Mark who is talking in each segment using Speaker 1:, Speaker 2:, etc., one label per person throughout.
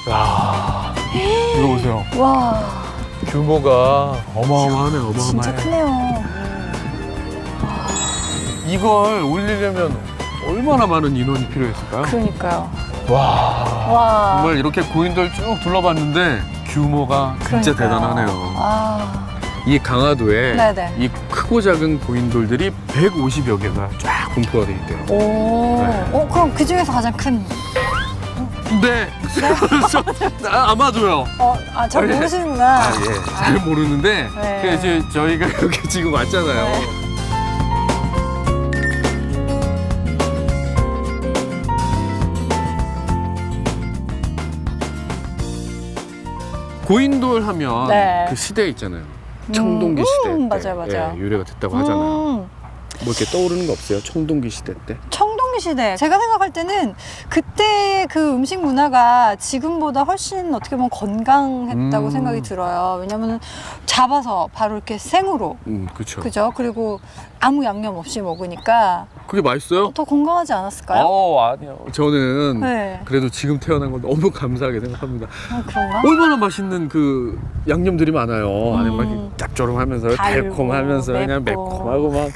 Speaker 1: 야, 이거 보세요.
Speaker 2: 와,
Speaker 1: 규모가 어마어마하네, 어마어마해.
Speaker 2: 진짜 크네요.
Speaker 1: 이걸 올리려면 얼마나 많은 인원이 필요했을까요?
Speaker 2: 그러니까요.
Speaker 1: 와,
Speaker 2: 와.
Speaker 1: 정말 이렇게 고인돌 쭉 둘러봤는데 규모가 진짜
Speaker 2: 그러니까요.
Speaker 1: 대단하네요.
Speaker 2: 아,
Speaker 1: 이 강화도에
Speaker 2: 네네.
Speaker 1: 이 크고 작은 고인돌들이 150여 개가 쫙 분포가 돼 있대요.
Speaker 2: 오.
Speaker 1: 네.
Speaker 2: 그럼 그 중에서 가장 큰.
Speaker 1: 네, 아마도요.
Speaker 2: 잘 모르시는구나.
Speaker 1: 예, 잘 모르는데
Speaker 2: 네.
Speaker 1: 그래서 저희가 여기 지금 왔잖아요.
Speaker 2: 네.
Speaker 1: 고인돌 하면
Speaker 2: 네.
Speaker 1: 그 시대 있잖아요. 청동기 시대 때
Speaker 2: 맞아요, 맞아요.
Speaker 1: 예, 유래가 됐다고 하잖아요.
Speaker 2: 뭐
Speaker 1: 이렇게 떠오르는 거 없어요? 청동기 시대 때?
Speaker 2: 청동기 시대. 제가 생각할 때는 그때 그 음식 문화가 지금보다 훨씬 어떻게 보면 건강했다고 생각이 들어요. 왜냐면 잡아서 바로 이렇게 생으로.
Speaker 1: 그렇죠.
Speaker 2: 그죠? 그리고 아무 양념 없이 먹으니까
Speaker 1: 그게 맛있어요?
Speaker 2: 더 건강하지 않았을까요?
Speaker 1: 아니요. 저는
Speaker 2: 네.
Speaker 1: 그래도 지금 태어난 걸 너무 감사하게 생각합니다.
Speaker 2: 그런가?
Speaker 1: 얼마나 맛있는 그 양념들이 많아요. 안에 막 이렇게 짭조름하면서
Speaker 2: 달고,
Speaker 1: 달콤하면서 그냥
Speaker 2: 맵고.
Speaker 1: 매콤하고 막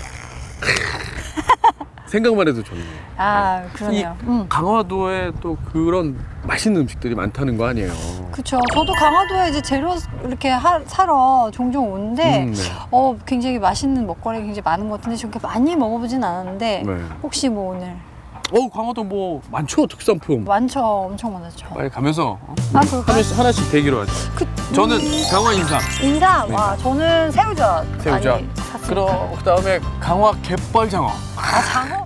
Speaker 1: 생각만 해도 좋네요.
Speaker 2: 그러네요.
Speaker 1: 이 강화도에 또 그런 맛있는 음식들이 많다는 거 아니에요?
Speaker 2: 그쵸. 저도 강화도에 이제 재료 이렇게 사러 종종 오는데,
Speaker 1: 네.
Speaker 2: 굉장히 맛있는 먹거리가 굉장히 많은 것 같은데, 저렇게 많이 먹어보진 않았는데,
Speaker 1: 네.
Speaker 2: 혹시 뭐 오늘
Speaker 1: 강화도 뭐 많죠, 특산품.
Speaker 2: 많죠? 엄청 많았죠.
Speaker 1: 빨리 가면서
Speaker 2: 그럴까요?
Speaker 1: 하나씩 대기로 하죠. 저는 강화 인삼.
Speaker 2: 인삼.
Speaker 1: 네.
Speaker 2: 와, 저는 새우젓.
Speaker 1: 새우젓.
Speaker 2: 많이 샀습니다.
Speaker 1: 그다음에 강화 갯벌장어.
Speaker 2: 장어?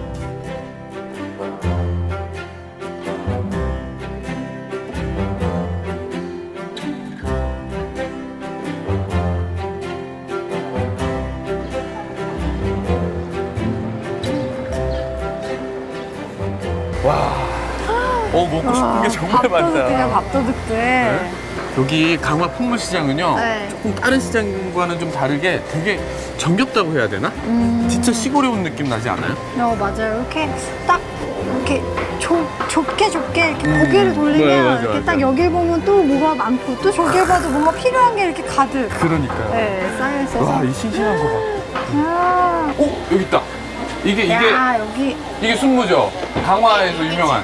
Speaker 1: 먹고 싶은 게 정말 많다.
Speaker 2: 밥도둑들.
Speaker 1: 여기 강화 풍물시장은요,
Speaker 2: 네.
Speaker 1: 조금 다른 시장과는 좀 다르게 되게 정겹다고 해야 되나? 진짜 시골에 온 느낌 나지 않아요?
Speaker 2: 맞아요. 이렇게 딱 이렇게 좁게 이렇게 고개를 돌리면
Speaker 1: 네, 맞아,
Speaker 2: 이렇게
Speaker 1: 맞아.
Speaker 2: 딱 여길 보면 또 뭐가 많고 또 저길 봐도 뭔가 필요한 게 이렇게 가득
Speaker 1: 그러니까요.
Speaker 2: 쌓여 있어서.
Speaker 1: 와, 이 싱싱한 거 봐.
Speaker 2: 야,
Speaker 1: 여기 있다. 이게
Speaker 2: 여기.
Speaker 1: 이게 순무죠? 강화에서 유명한.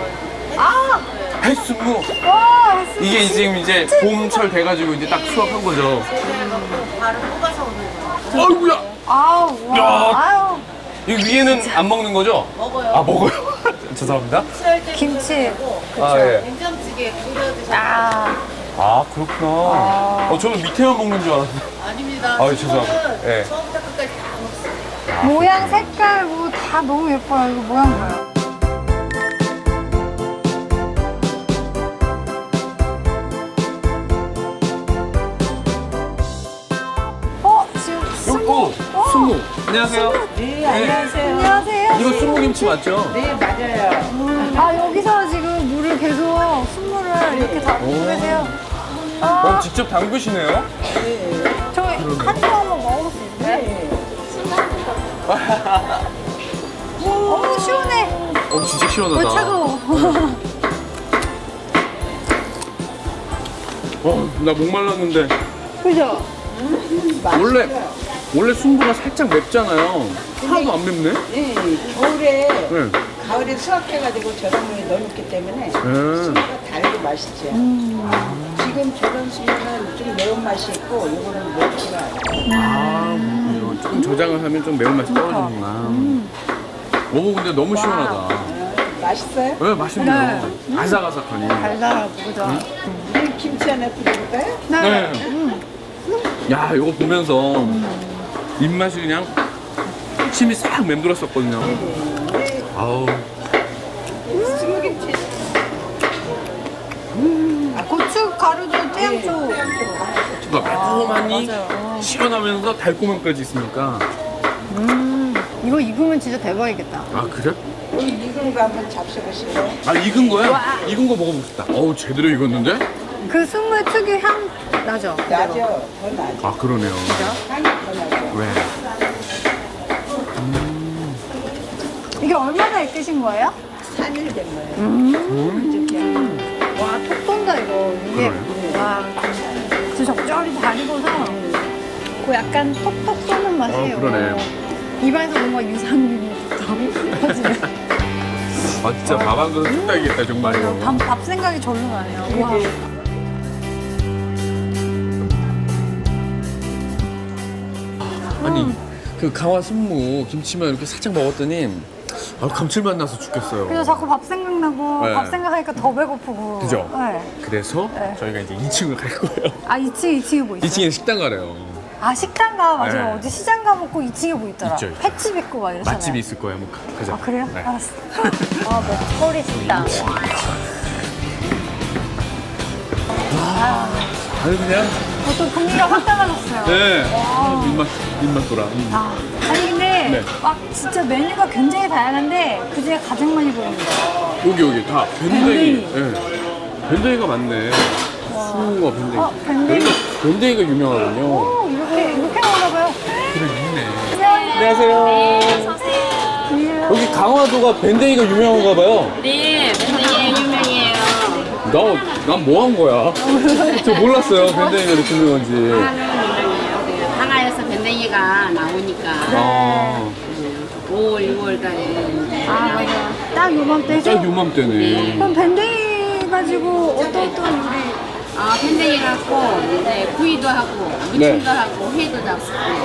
Speaker 1: 해순무.
Speaker 2: 와,
Speaker 1: 이게 지금 이제 봄철 돼가지고 이제 딱 수확한 거죠.
Speaker 3: 바로 뽑아서 오는 거예요.
Speaker 1: 아이고야.
Speaker 2: 아우,
Speaker 1: 야.
Speaker 2: 와, 아유.
Speaker 1: 이 위에는 안 먹는 거죠?
Speaker 3: 먹어요.
Speaker 1: 먹어요. 죄송합니다.
Speaker 3: 취할 때
Speaker 2: 김치.
Speaker 1: 예.
Speaker 3: 된장찌개 끓여 드셔요.
Speaker 1: 그렇구나. 저는 밑에만 먹는 줄 알았어요.
Speaker 3: 아닙니다.
Speaker 1: 죄송합니다.
Speaker 3: 이거는
Speaker 1: 예.
Speaker 3: 처음부터 끝까지 다 먹어요.
Speaker 2: 모양, 색깔 뭐 다 너무 예뻐요. 이거 모양 봐요. 지금
Speaker 1: 순무. 안녕하세요.
Speaker 3: 네, 안녕하세요.
Speaker 2: 안녕하세요.
Speaker 1: 이거 순무김치 맞죠?
Speaker 3: 네, 맞아요.
Speaker 2: 여기서 지금 물을 계속 순물을 이렇게 담고 계세요.
Speaker 1: 직접 담그시네요?
Speaker 2: 저희 한쪽 한번 먹어볼 수 있어요?
Speaker 3: 네.
Speaker 2: 시원해.
Speaker 1: 진짜 시원하다.
Speaker 2: 차가워.
Speaker 1: 나 목말랐는데.
Speaker 2: 그죠?
Speaker 1: 원래 순무가 살짝 맵잖아요. 하나도 안 맵네?
Speaker 3: 네, 겨울에,
Speaker 1: 네.
Speaker 3: 가을에 수확해가지고 저장물에 넣어놓기 때문에 순수가 달고 맛있죠. 지금 저런 순수는 좀 매운맛이 있고 이거는 맵지가 않아요.
Speaker 1: 이거 조금 저장을 하면 좀 매운맛이 떨어지는구나. 근데 너무 시원하다.
Speaker 3: 맛있어요?
Speaker 1: 네, 맛있네요. 아삭아삭하니.
Speaker 2: 달달하고, 그죠?
Speaker 3: 우리 김치 하나 드릴까요?
Speaker 1: 네. 야, 이거 보면서 입맛이 그냥 침이 싹 맴돌았었거든요. 아우.
Speaker 3: 스무김치.
Speaker 2: 고추 가루도 태양초.
Speaker 1: 고추가 매콤하니 시원하면서 달콤함까지 있으니까.
Speaker 2: 이거 익으면 진짜 대박이겠다.
Speaker 1: 그래?
Speaker 3: 익은 거 한번 잡숴보실래요?
Speaker 1: 익은 거야? 익은 거 먹어보고 싶다. 제대로 익었는데?
Speaker 2: 그 순물 특유 향 나죠?
Speaker 3: 나죠? 더 나죠?
Speaker 1: 그러네요.
Speaker 3: 향이 더 나죠?
Speaker 1: 왜?
Speaker 2: 이게 얼마나 익으신 거예요?
Speaker 3: 3일 된 거예요.
Speaker 2: 와, 톡톡 있고 약간 톡톡 쏘는 맛이에요.
Speaker 1: 그러네.
Speaker 2: 입안에서 뭔가 유산균이 터지네요.
Speaker 1: 아 진짜 밥 한 그릇 뚝 따기겠다 정말.
Speaker 2: 밥 생각이 절로 나네요. 와.
Speaker 1: 아니 그 강화 순무 김치만 이렇게 살짝 먹었더니 감칠맛 나서 죽겠어요.
Speaker 2: 그래서 자꾸 밥 생각나고
Speaker 1: 네.
Speaker 2: 밥 생각하니까 더 배고프고.
Speaker 1: 그죠?
Speaker 2: 네.
Speaker 1: 그래서
Speaker 2: 네.
Speaker 1: 저희가 이제 2층을 갈 거예요.
Speaker 2: 아 2층에 뭐 있어요?
Speaker 1: 2층에 식당 가래요.
Speaker 2: 아 식당 가 맞아요.
Speaker 1: 네.
Speaker 2: 어디 시장 가 먹고 2층에 뭐 있더라.
Speaker 1: 있죠.
Speaker 2: 횟집 있고 막 이러잖아요.
Speaker 1: 맛집이 있을 거예요. 한번 가자.
Speaker 2: 아 그래요?
Speaker 1: 네.
Speaker 2: 알았어. 아 먹거리 식당.
Speaker 1: 아니 그냥
Speaker 2: 또 분위기가 확 달라졌어요.
Speaker 1: 네.
Speaker 2: 와.
Speaker 1: 입맛 돌아.
Speaker 2: 아, 아니 근데
Speaker 1: 네.
Speaker 2: 막 진짜 메뉴가 굉장히 다양한데 그중에 가장 많이 보이는 거
Speaker 1: 여기 다 밴댕이. 네. 밴댕이가 많네. 수우가 밴댕이.
Speaker 2: 밴댕이.
Speaker 1: 밴댕이가 유명하군요.
Speaker 2: 오 이렇게 나오나 봐요.
Speaker 1: 그래 있네.
Speaker 2: 안녕하세요.
Speaker 1: 안녕하세요. 여기 강화도가 밴댕이가 유명한가 봐요.
Speaker 4: 네, 밴댕이 유명해요.
Speaker 1: 난 뭐 한 거야? 저 몰랐어요. 밴댕이가 이렇게 유명한지.
Speaker 4: 유명해요. 하나에서 밴댕이가 나오니까
Speaker 1: 아,
Speaker 4: 5월, 6월 달에
Speaker 2: 아 맞아. 딱 요맘때죠?
Speaker 1: 딱 요맘때네.
Speaker 2: 그럼 밴댕이 가지고 어떤 요리?
Speaker 4: 밴댕이 갖고 이제 구이도 하고 무침도
Speaker 1: 네.
Speaker 4: 하고 회도 잡고.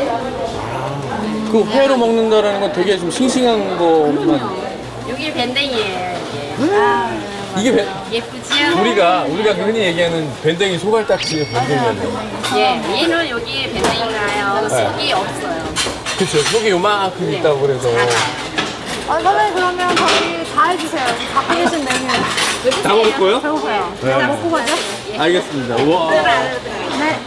Speaker 1: 그 회로 먹는다라는 건 되게 좀 싱싱한 거만.
Speaker 4: 여기 밴댕이에요.
Speaker 1: 이게
Speaker 4: 예쁘지요?
Speaker 1: 우리가 흔히 얘기하는 밴댕이 소갈딱지의 밴댕이잖아요.
Speaker 4: 예, 얘는 여기 밴댕이가요. 속이 없어요.
Speaker 1: 그쵸. 속이 요만큼 있다고 그래서.
Speaker 2: 아 선생님 그러면 저희 다 해주세요. 갖고 계신 메뉴.
Speaker 1: 다 먹을 거예요?
Speaker 2: 배고파요.
Speaker 1: 네.
Speaker 2: 일단 먹고 가죠.
Speaker 1: 알겠습니다. 우와.
Speaker 2: 네.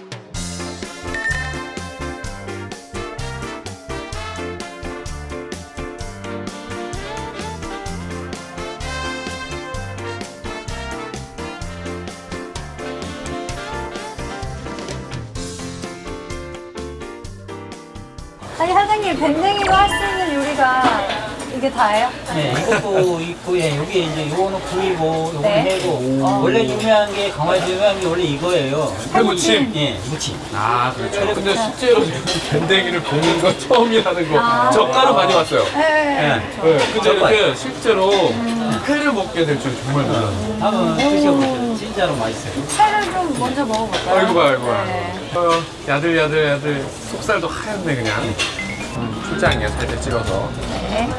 Speaker 2: 아니 사장님 밴댕이로 할 수 있는 요리가 이게 다예요?
Speaker 5: 네, 이것도 있고, 예, 여기 이제 요거는 구이고, 요거는
Speaker 2: 네.
Speaker 5: 회고. 원래 유명한 게, 강화에서 유명한 게 원래 이거예요.
Speaker 1: 회무침.
Speaker 5: 예, 무침.
Speaker 1: 아, 그렇죠. 근데 실제로 밴댕이를 볶는 건 처음이라는 거. 젓가락 많이 왔어요.
Speaker 2: 네.
Speaker 1: 네. 근데 이렇게 실제로 회를 먹게 될 줄 정말 몰랐어요.
Speaker 5: 한번 드셔보세요. 진짜로 맛있어요.
Speaker 2: 회를 좀 먼저 먹어볼까요?
Speaker 1: 아이고 봐요.
Speaker 2: 네.
Speaker 1: 야들야들 속살도 하얗네 그냥. 초장이야 살짝 찍어서.
Speaker 2: 네.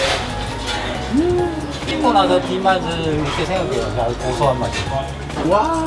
Speaker 5: 찍고 나서 뒷맛을 이렇게 생각해요. 아주 고소한 맛이.
Speaker 1: 와,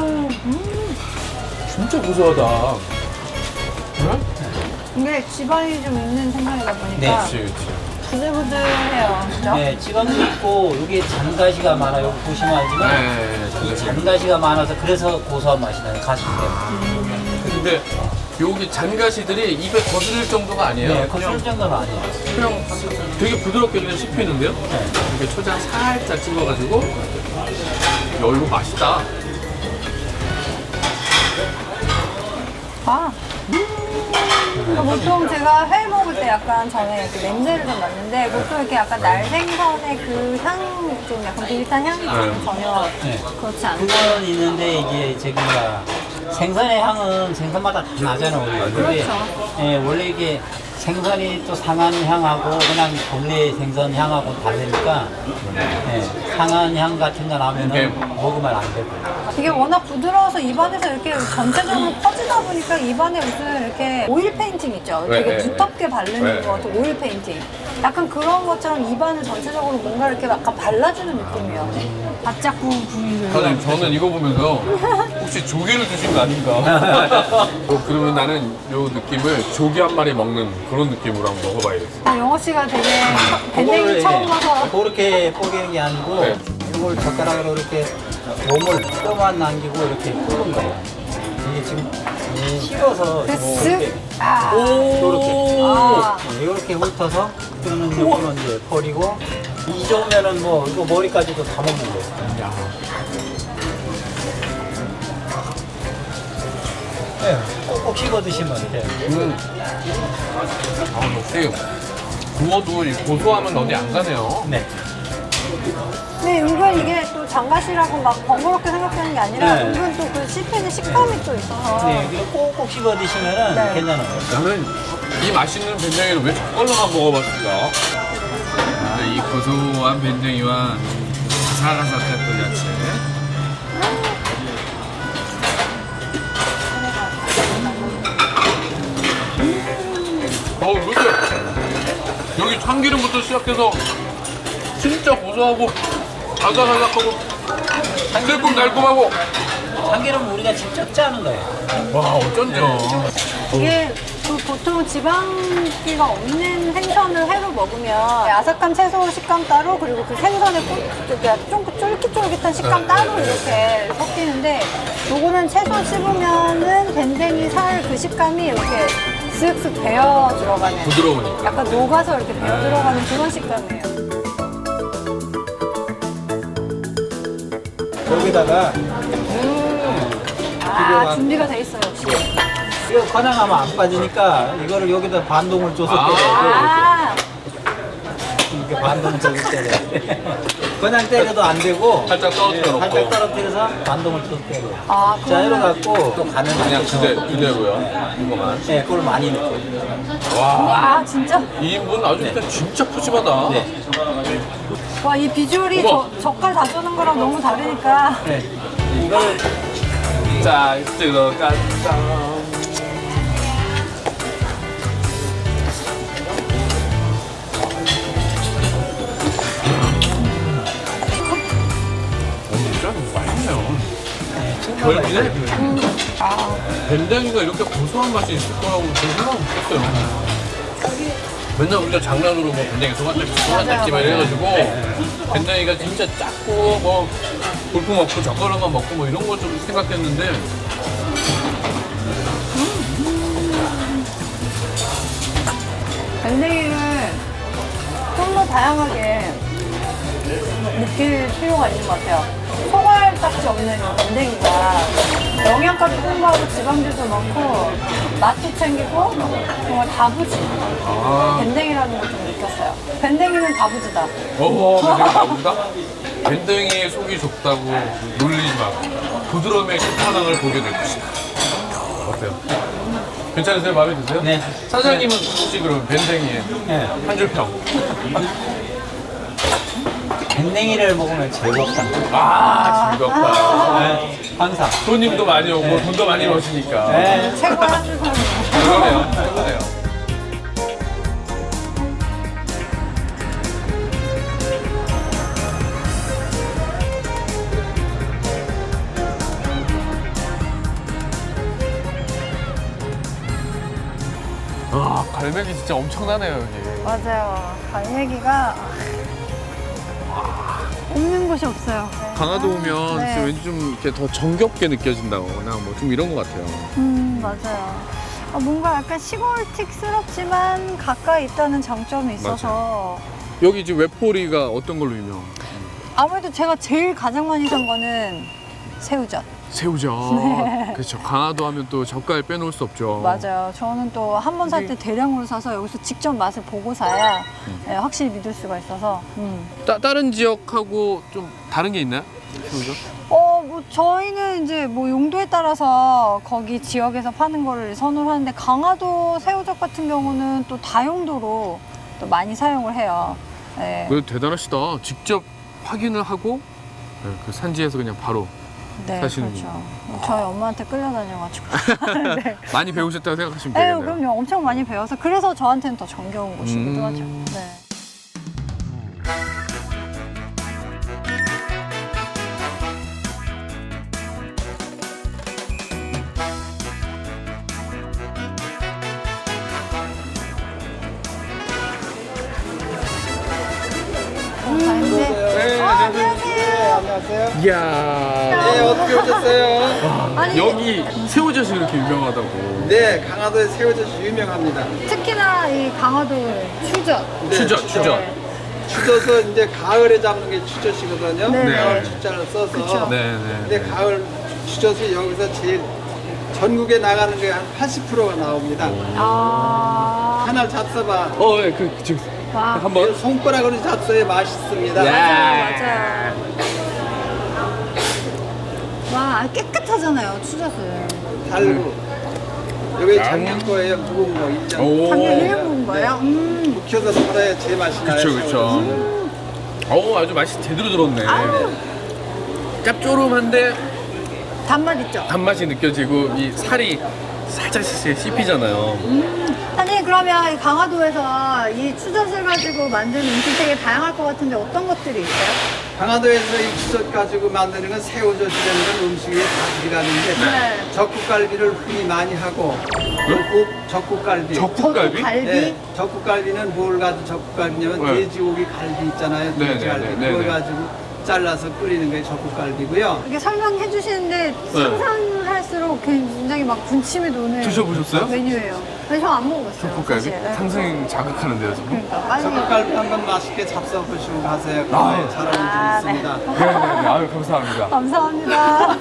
Speaker 1: 진짜 고소하다. 응?
Speaker 2: 이게 지방이 좀 있는 생선이다 보니까
Speaker 5: 네.
Speaker 1: 그렇지.
Speaker 2: 부들부들해요. 그죠?
Speaker 5: 네, 지방도 있고, 여기에 잔가시가 많아요. 보시면 알지만.
Speaker 1: 네.
Speaker 5: 이 잔가시가 많아서 그래서 고소한 맛이 나요. 가시 때문에.
Speaker 1: 근데 여기 잔가시들이 입에 거슬릴 정도가 아니에요.
Speaker 5: 네, 그럴 정도는 아니에요.
Speaker 1: 그냥 되게 부드럽게 그냥 씹히는데요? 이렇게 초장 살짝 찍어가지고. 야, 이거 맛있다.
Speaker 2: 아. 보통 제가 회 먹을 때 약간 전에 이렇게 냄새를 좀 맡는데 보통 이렇게 약간 날생선의 그 향, 좀 약간 비릿한 향이 좀 전혀
Speaker 5: 네.
Speaker 2: 그렇지 않아요.
Speaker 5: 그거는 있는데 이게 저기가 생선의 향은 생선마다 다 나잖아요. 원래. 근데,
Speaker 2: 그렇죠.
Speaker 5: 예, 원래 이게 생선이 또 상한 향하고 그냥 본래 생선 향하고 다르니까 예, 상한 향 같은 거 나면은
Speaker 1: 네.
Speaker 5: 먹으면 안 되고.
Speaker 2: 이게 워낙 부드러워서 입안에서 이렇게 전체적으로 퍼지다 보니까 입안에 무슨 이렇게 오일 페인팅 있죠?
Speaker 1: 네,
Speaker 2: 되게
Speaker 1: 네,
Speaker 2: 두텁게 바르는
Speaker 1: 네.
Speaker 2: 것 같은 오일 페인팅. 약간 그런 것처럼 입안을 전체적으로 뭔가 이렇게 약간 발라주는 느낌이에요. 바짝 구운 부위를.
Speaker 1: 사장님, 저는 이거 보면서 혹시 조개를 주신 거 아닌가? 그러면 나는 요 느낌을 조개 한 마리 먹는 그런 느낌으로 한번 먹어봐야겠어.
Speaker 2: 영호 씨가 되게 밴댕이 처음 봐서.
Speaker 5: 그렇게 뽀개는 게 아니고
Speaker 1: 네.
Speaker 5: 이걸 젓가락으로 이렇게 몸을 뼈만 남기고 이렇게 푸는 거예요. 이게 지금 식어서
Speaker 2: 쓱. 아.
Speaker 5: 이렇게
Speaker 2: 아.
Speaker 5: 이렇게 훑어서 그러면 이거는 이제 버리고 이 정도면은 뭐 이거 머리까지도 다 먹는 거예요. 네, 꼭꼭 씹어 드시면 돼요.
Speaker 1: 역시 구워도 이 고소함은 어디 안 가네요.
Speaker 5: 네.
Speaker 2: 네, 은근 이게 또 뭐 장갓이라고 막 번거롭게 생각하는 게 아니라
Speaker 5: 네.
Speaker 2: 은근 또 그 씹히는 식감이 또 있어서.
Speaker 5: 네, 그리고 꼭꼭 씹어 드시면은
Speaker 2: 네.
Speaker 5: 괜찮아요.
Speaker 1: 나는 이 맛있는 밴댕이를 왜 저걸로만 먹어봤을까? 이 고소한 밴댕이와 아삭아삭한 또 야채. 근데 여기 참기름부터 시작해서 진짜 고소하고 아삭아삭하고 새콤달콤하고
Speaker 5: 참기름 우리가 직접 짜는 거예요.
Speaker 1: 와 어쩐죠.
Speaker 2: 이게 그 보통 지방기가 없는 생선을 회로 먹으면 아삭한 채소 식감 따로 그리고 그 생선의 쫄깃쫄깃한 식감 따로 이렇게 섞이는데 요거는 채소 씹으면은 밴댕이 살 그 식감이 이렇게 쓱쓱 배어 들어가는
Speaker 1: 부드러우니까.
Speaker 2: 약간 녹아서 이렇게 배어 들어가는 그런 식감이에요.
Speaker 5: 여기다가
Speaker 2: 준비가 돼 있어요 역시.
Speaker 5: 이거 건양하면 안 빠지니까 이거를 여기다 반동을 줘서 때려야 돼. 이렇게 반동을 줘서 때려. 그냥 때려도 안 되고
Speaker 1: 살짝 떨어뜨려 놓고.
Speaker 5: 살짝 떨어뜨려서 반동을 줘서 때려.
Speaker 2: 아,
Speaker 5: 자, 이래 갖고 또 간을
Speaker 1: 그냥
Speaker 5: 맞춰서
Speaker 1: 그대로요. 이거만.
Speaker 5: 네, 그걸 많이 넣고.
Speaker 2: 아 진짜?
Speaker 1: 2인분 아주 그냥 진짜 푸짐하다.
Speaker 5: 네.
Speaker 2: 와 이 비주얼이
Speaker 1: 어머.
Speaker 2: 젓갈 다 쏘는 거랑 너무 다르니까.
Speaker 5: 네. 이걸
Speaker 1: 자, 들어간다. 진짜 맛있네요. 별미네. 밴댕이가 이렇게 고소한 맛이 있을 거라고 저는 생각 못했어요. 맨날 우리가 장난으로 뭐 밴댕이 소간딱지만 해가지고 밴댕이가 진짜 작고 뭐 볼품 없고 젓가락만 먹고 뭐 이런 거 좀 생각했는데
Speaker 2: 밴댕이를 좀 더 다양하게 느낄 필요가 있는 것 같아요. 소갈딱지 없는 이 밴댕이가 영양가도 풍부하고 지방질도 많고 맛도 챙기고 정말 다부지. 밴댕이라는 걸 좀 느꼈어요. 밴댕이는 다부지다.
Speaker 1: 밴댕이 나온다? 밴댕이의 속이 좁다고 놀리지 마. 부드러움의 끝판왕을 보게 될 것이다. 어때요? 괜찮으세요? 마음에 드세요?
Speaker 5: 네.
Speaker 1: 사장님은 혹시 그럼 밴댕이에
Speaker 5: 네.
Speaker 1: 한 줄 평?
Speaker 5: 밴댕이를 먹으면 즐겁다.
Speaker 1: 즐겁다.
Speaker 5: 네, 항상.
Speaker 1: 손님도 많이 오고 돈도 많이 버시니까.
Speaker 5: 네.
Speaker 2: 최고의 한줄 평이에요.
Speaker 1: 그러네요. 최고네요. 갈매기 진짜 엄청나네요, 여기.
Speaker 2: 맞아요. 갈매기가 없는 곳이 없어요.
Speaker 1: 강화도 오면
Speaker 2: 네.
Speaker 1: 진짜 왠지 좀 이렇게 더 정겹게 느껴진다거나 뭐 좀 이런 것 같아요.
Speaker 2: 맞아요. 뭔가 약간 시골틱스럽지만 가까이 있다는 장점이 있어서
Speaker 1: 여기 지금 외포리가 어떤 걸로 유명?
Speaker 2: 아무래도 제가 제일 가장 많이 산 거는 새우젓.
Speaker 1: 새우젓. 그렇죠. 강화도 하면 또 젓갈 빼놓을 수 없죠.
Speaker 2: 맞아요. 저는 또 한 번 살 때 대량으로 사서 여기서 직접 맛을 보고 사야 확실히 믿을 수가 있어서.
Speaker 1: 다른 지역하고 좀 다른 게 있나요? 새우젓?
Speaker 2: 뭐 저희는 이제 뭐 용도에 따라서 거기 지역에서 파는 거를 선호를 하는데 강화도 새우젓 같은 경우는 또 다용도로 또 많이 사용을 해요. 네.
Speaker 1: 그래도 대단하시다. 직접 확인을 하고 그 산지에서 그냥 바로
Speaker 2: 네,
Speaker 1: 사시는군요.
Speaker 2: 그렇죠. 저희 엄마한테 끌려다녀가지고. 네.
Speaker 1: 많이 배우셨다고 생각하시면
Speaker 2: 에휴,
Speaker 1: 되겠네요.
Speaker 2: 그럼요. 엄청 많이 배워서 그래서 저한테는 더 정겨운 곳이기도 하죠. 네.
Speaker 1: 네,
Speaker 2: 안녕하세요.
Speaker 6: 안녕하세요.
Speaker 1: 이야.
Speaker 6: 네, 어떻게 오셨어요?
Speaker 2: 아니,
Speaker 1: 여기 새우젓이 이렇게 유명하다고.
Speaker 6: 네, 강화도의 새우젓이 유명합니다.
Speaker 2: 특히나 이 강화도의 추젓.
Speaker 6: 네,
Speaker 1: 추젓.
Speaker 6: 추젓은 이제 가을에 잡는 게 추젓이거든요.
Speaker 2: 네.
Speaker 6: 가을 추자를 써서.
Speaker 1: 네네.
Speaker 6: 근데 가을 추젓이 여기서 제일 전국에 나가는 게 한 80%가 나옵니다. 하나 잡숴봐.
Speaker 1: 네, 지금
Speaker 2: 와.
Speaker 1: 한번.
Speaker 6: 손가락으로 잡숴야 맛있습니다.
Speaker 1: 야.
Speaker 2: 맞아요. 아, 깨끗하잖아요, 추젓은.
Speaker 6: 달고. 여기 작년 거예요. 묵은 거 1년.
Speaker 1: 오.
Speaker 2: 작년 1년 먹은 거예요?
Speaker 6: 묵혀서 팔아야 제 맛이 나요.
Speaker 1: 그쵸, 그쵸. 어우, 아주 맛이 제대로 들었네. 짭조름한데
Speaker 2: 단맛 있죠?
Speaker 1: 단맛이 느껴지고 이 살이 살짝 씹히잖아요.
Speaker 2: 사장님, 그러면 이 강화도에서 이 추젓을 가지고 만드는 음식 되게 다양할 것 같은데 어떤 것들이 있어요?
Speaker 6: 강화도에서 이 추젓 가지고 만드는 건 새우젓이라는 건 음식에 다 들어가는데
Speaker 2: 네.
Speaker 6: 적국갈비를 흔히 많이 하고 꼭 적국갈비.
Speaker 1: 적국갈비?
Speaker 2: 갈비?
Speaker 6: 네, 적국갈비는 뭘 가지고 적국갈비냐면
Speaker 1: 네.
Speaker 6: 돼지고기 갈비 있잖아요.
Speaker 1: 네,
Speaker 6: 돼지갈비.
Speaker 1: 네, 네,
Speaker 6: 그걸
Speaker 1: 네.
Speaker 6: 가지고 잘라서 끓이는 게 적국갈비고요.
Speaker 2: 이렇게 설명해 주시는데 상상할수록 굉장히 막 군침이 도는
Speaker 1: 드셔보셨어요?
Speaker 2: 메뉴예요. 근데 저 안 먹어봤어요.
Speaker 1: 적국갈비?
Speaker 2: 사실. 네.
Speaker 1: 상상이 자극하는데요, 지금?
Speaker 2: 그러니까 빨리.
Speaker 6: 적국갈비 한번 맛있게 잡숴보시고 가세요.
Speaker 1: 아.
Speaker 6: 건강에 잘 어울리고 있습니다.
Speaker 1: 네네네. 아유, 감사합니다.
Speaker 2: 감사합니다.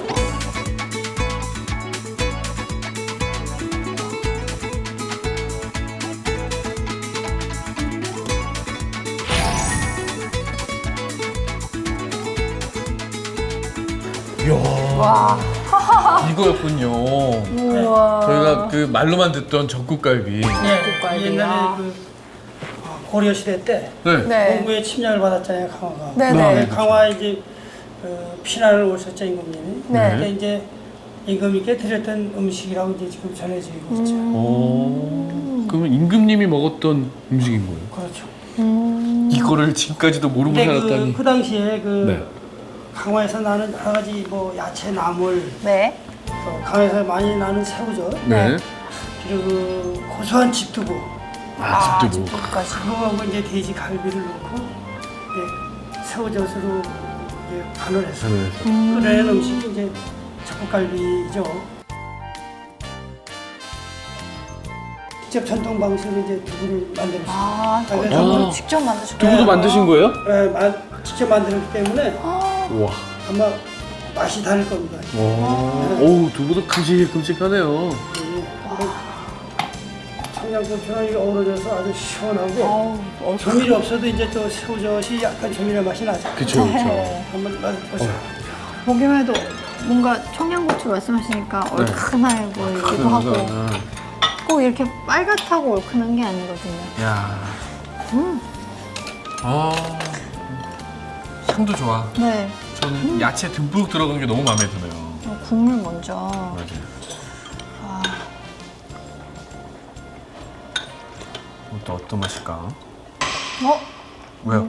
Speaker 2: 와.
Speaker 1: 이거였군요.
Speaker 2: 우와.
Speaker 1: 저희가 그 말로만 듣던 적국갈비.
Speaker 2: 적국갈비야.
Speaker 7: 옛날에 고려 시대 때
Speaker 1: 네.
Speaker 2: 네.
Speaker 7: 蒙古침략을 받았잖아요, 강화가.
Speaker 2: 네네.
Speaker 7: 강화에 이제 피난을 오셨죠, 임금님이.
Speaker 2: 네.
Speaker 7: 그때 이제 임금님께 드렸던 음식이라고 이제 지금 전해지고 있죠.
Speaker 1: 그러면 임금님이 먹었던 음식인 거예요?
Speaker 7: 그렇죠.
Speaker 1: 이거를 지금까지도 모르고
Speaker 7: 근데
Speaker 1: 살았다니.
Speaker 7: 그 당시에
Speaker 1: 네.
Speaker 7: 강화에서 나는 여러 가지 뭐 야채, 나물,
Speaker 2: 네.
Speaker 7: 또 강화에서 많이 나는 새우젓,
Speaker 1: 네.
Speaker 7: 그리고 그 고소한 집두부,
Speaker 1: 아, 집도 뭐.
Speaker 2: 집도까지.
Speaker 7: 그거하고 이제 돼지 갈비를 넣고 이제 새우젓으로 이제 간을 해서 끓여낸 음식이 이제 적국갈비죠. 직접 전통 방식으로 이제 두부를 만들었어요.
Speaker 2: 아,
Speaker 7: 그래서
Speaker 2: 두부를 직접 만드셨구나.
Speaker 1: 두부도 만드신 거예요?
Speaker 7: 직접 만들었기 때문에
Speaker 1: 우와.
Speaker 7: 아마 맛이 다를 겁니다.
Speaker 1: 오, 두부도 큼직큼직하네요.
Speaker 7: 청양고추랑 이게 어우러져서 아주 시원하고 조미료 없어도 이제 또 새우젓이 약간 조미료 맛이 나죠.
Speaker 1: 그쵸, 그쵸.
Speaker 7: 한번 맛보세요.
Speaker 2: 보기만 해도 뭔가 청양고추 말씀하시니까 얼큰해 보이기도 하고 꼭 이렇게 빨갛다고 얼큰한 게 아니거든요.
Speaker 1: 야. 향도 좋아.
Speaker 2: 네.
Speaker 1: 저는 야채 듬뿍 들어간 게 너무 마음에 드네요.
Speaker 2: 국물 먼저.
Speaker 1: 맞아요. 또 어떤 맛일까? 왜요?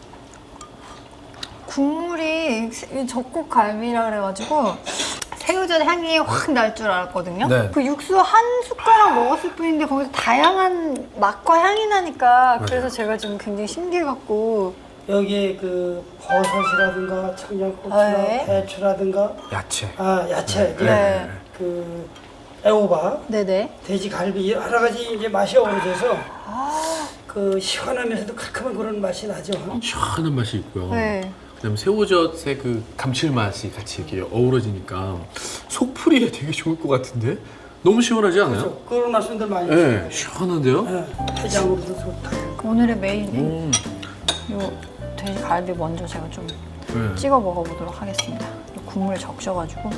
Speaker 2: 국물이 적국갈비라 그래가지고 새우젓 향이 확 날 줄 알았거든요.
Speaker 1: 네.
Speaker 2: 그 육수 한 숟가락 먹었을 뿐인데 거기서 다양한 맛과 향이 나니까 그래서 제가 지금 굉장히 신기해갖고
Speaker 7: 여기에 그 버섯이라든가 청양고추나
Speaker 2: 네.
Speaker 7: 배추라든가
Speaker 1: 야채.
Speaker 7: 야채, 이제
Speaker 2: 네.
Speaker 7: 그 애호박,
Speaker 2: 네네.
Speaker 7: 돼지갈비 여러 가지 이제 맛이 어우러져서 그 시원하면서도 칼칼한 그런 맛이 나죠.
Speaker 1: 시원한 맛이 있고요.
Speaker 2: 네.
Speaker 1: 그다음에 새우젓의 그 감칠맛이 같이 이렇게 어우러지니까 속풀이에 되게 좋을 것 같은데? 너무 시원하지 않아요?
Speaker 7: 그렇죠. 그런 말씀들 많이
Speaker 1: 네,
Speaker 7: 하시죠.
Speaker 1: 시원한데요?
Speaker 7: 해장으로도 좋다.
Speaker 2: 오늘의 메인 요 돼지갈비 먼저 제가 좀
Speaker 1: 네.
Speaker 2: 찍어 먹어보도록 하겠습니다. 국물 적셔가지고.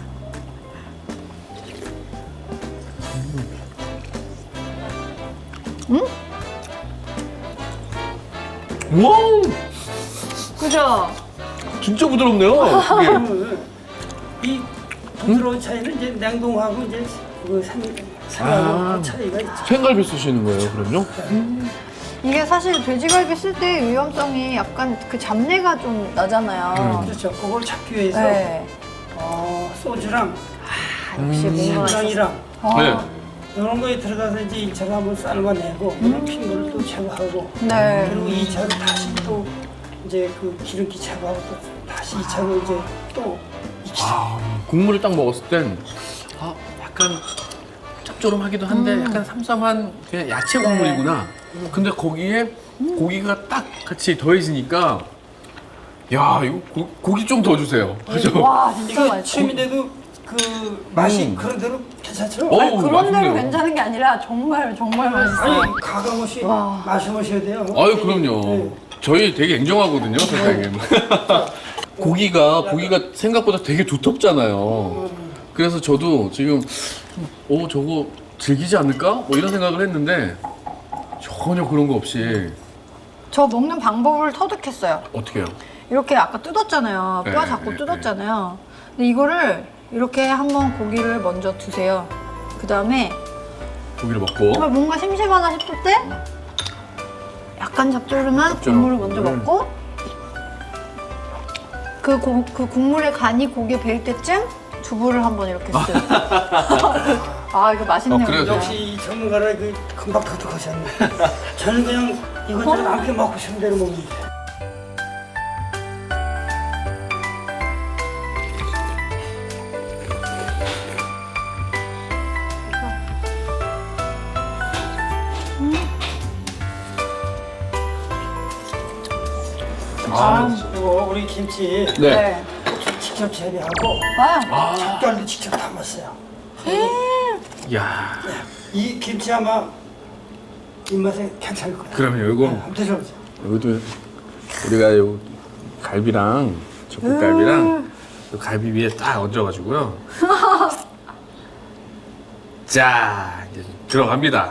Speaker 1: 우와!
Speaker 2: 그죠?
Speaker 1: 진짜 부드럽네요. 이게.
Speaker 7: 그러면 이 부드러운 차이는 이제 냉동하고 이제 그 생하고 차이가 있죠.
Speaker 1: 생갈비 쓰시는 거예요, 그럼요?
Speaker 2: 이게 사실 돼지갈비 쓸 때 위험성이 약간 그 잡내가 좀 나잖아요.
Speaker 7: 그렇죠. 그걸 잡기 위해서
Speaker 2: 네.
Speaker 7: 소주랑
Speaker 2: 역시 뭔가
Speaker 7: 간장이랑
Speaker 1: 네.
Speaker 7: 이런 거에 들어가서 이제 1차로 한번 삶아내고 핀 거를 또 제거하고
Speaker 2: 네.
Speaker 7: 그리고 2차로 다시 또 이제 그 기름기 제거하고 또 다시 2차로 이제 또 익히죠.
Speaker 1: 국물을 딱 먹었을 땐 약간 짭조름하기도 한데 약간 삼삼한 그냥 야채 국물이구나. 근데 거기에 고기가 딱 같이 더해지니까 야, 이거 고기 좀 더 주세요. 그죠?
Speaker 2: 와 진짜
Speaker 7: 이거
Speaker 2: 맛있어.
Speaker 7: 취미인데도 그 맛이 그런 대로 괜찮죠?
Speaker 1: 어우,
Speaker 2: 그런 대로
Speaker 1: 맛있네요.
Speaker 2: 괜찮은 게 아니라 정말 맛있어요.
Speaker 7: 아니 가감없이 마셔보셔야 돼요.
Speaker 1: 아유, 그럼요.
Speaker 7: 네.
Speaker 1: 저희 되게 냉정하거든요, 선생님. 고기가 생각보다 되게 두텁잖아요. 그래서 저도 지금 저거 질기지 않을까? 뭐 이런 생각을 했는데 전혀 그런 거 없이.
Speaker 2: 저 먹는 방법을 터득했어요.
Speaker 1: 어떻게 해요?
Speaker 2: 이렇게 아까 뜯었잖아요. 뼈
Speaker 1: 네,
Speaker 2: 잡고
Speaker 1: 네,
Speaker 2: 뜯었잖아요. 근데 이거를 이렇게 한번 고기를 먼저 드세요. 그 다음에
Speaker 1: 고기를 먹고
Speaker 2: 뭔가 심심하다 싶을 때 약간 짭조름한 국물을 먼저 먹고 그 국물의 간이 고기에 배일 때쯤 두부를 한번 이렇게 쓱. 아 이거 맛있네요.
Speaker 1: 그래요?
Speaker 2: 진짜.
Speaker 7: 역시 이 전문가라 그 금방 터득하셨네. 저는 그냥 이것저것 함께 먹고 싶은 대로 먹는데. 이거 우리 김치
Speaker 1: 네.
Speaker 7: 직접 재배하고
Speaker 2: 아,
Speaker 7: 젓갈도 직접 담았어요.
Speaker 1: 야,
Speaker 7: 이 김치 아마 입맛에 괜찮을 거예요.
Speaker 1: 그러면 이거
Speaker 7: 한번 드셔보세요.
Speaker 1: 여기도 우리가 요 갈비랑 젓갈갈비랑 요 갈비 위에 딱 얹어가지고요. 자, 이제 들어갑니다.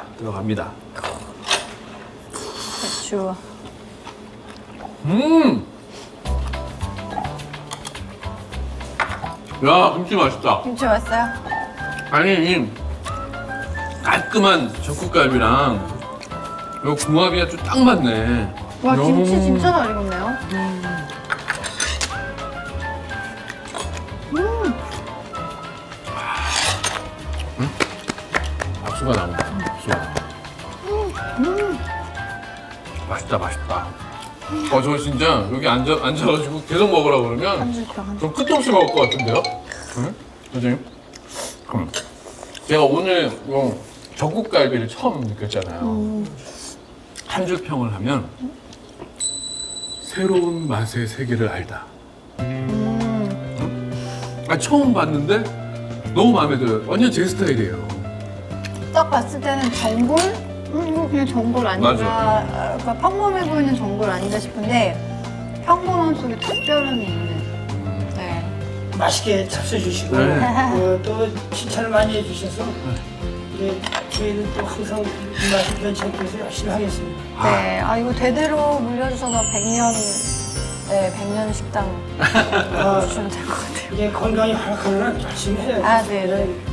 Speaker 2: 배추.
Speaker 1: 야, 김치 맛있다.
Speaker 2: 김치 맛있어요?
Speaker 1: 아니, 이 깔끔한 젓국갈비랑 요 궁합이 아주 딱 맞네.
Speaker 2: 와 김치 진짜 잘 익었네요.
Speaker 1: 박수가 나온다. 맛있다. 저 진짜 여기 앉아가지고 계속 먹으라고 그러면 좀 끝도 없이 먹을 것 같은데요? 응? 선생님? 제가 오늘 요 젓국갈비를 처음 느꼈잖아요. 한 줄 평을 하면 새로운 맛의 세계를 알다. 처음 봤는데 너무 마음에 들어요. 완전 제 스타일이에요.
Speaker 2: 딱 봤을 때는 전골? 이거 그냥 전골 아닌가?
Speaker 1: 맞아.
Speaker 2: 그러니까 평범해 보이는 전골 아닌가 싶은데 평범함 속에 특별함이 있는. 네.
Speaker 7: 맛있게 잡숴주시고
Speaker 1: 네.
Speaker 7: 또 칭찬을 많이 해주셔서 이제 저희는 또 항상 이 맛을 괜찮게 해서 열심히 하겠습니다.
Speaker 2: 네. 아 이거 대대로 물려주셔서 100년 식당 주시면 될 것 같아요.
Speaker 7: 이제 건강이 활약하는 한 열심히 해야죠.
Speaker 2: 아, 네.